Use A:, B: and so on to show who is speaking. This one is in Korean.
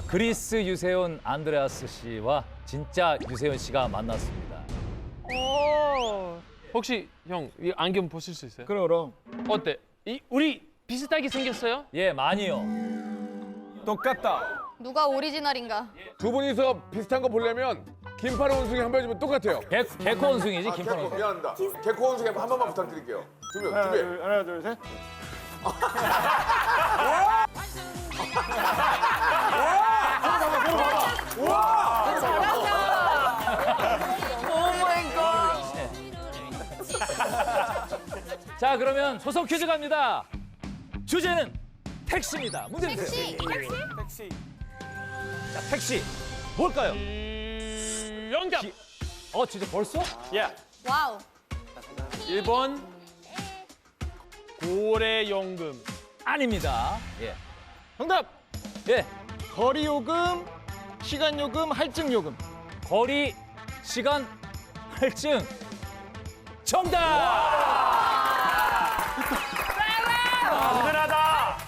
A: 그리스 유세온 안드레아스 씨와 진짜 유세온 씨가 만났습니다.
B: 혹시 형, 이 안경 벗을 수 있어요?
C: 그럼
B: 어때? 우리 비슷하게 생겼어요?
A: 예, 많이요.
C: 똑같다.
D: 누가 오리지널인가?
E: 두 분이서 비슷한 거 보려면 김파로 원숭이 한 번 해주면 똑같아요.
A: 개코 원숭이지, 김파로.
E: 개코, 미안합니다. 개코 원숭이 한 번만 부탁드릴게요. 준비.
C: 하나, 둘, 셋.
A: 자, 그러면 소속 퀴즈 갑니다. 주제는 택시입니다. 문제 주세요.
D: 택시?
A: 자, 택시. 뭘까요?
B: 영답!
A: 진짜 벌써?
D: 와우.
B: 1번 고래연금.
A: 아닙니다. 예.
C: 정답.
A: 예.
C: 거리 요금, 시간 요금, 할증 요금.
A: 거리, 시간, 할증. 정답!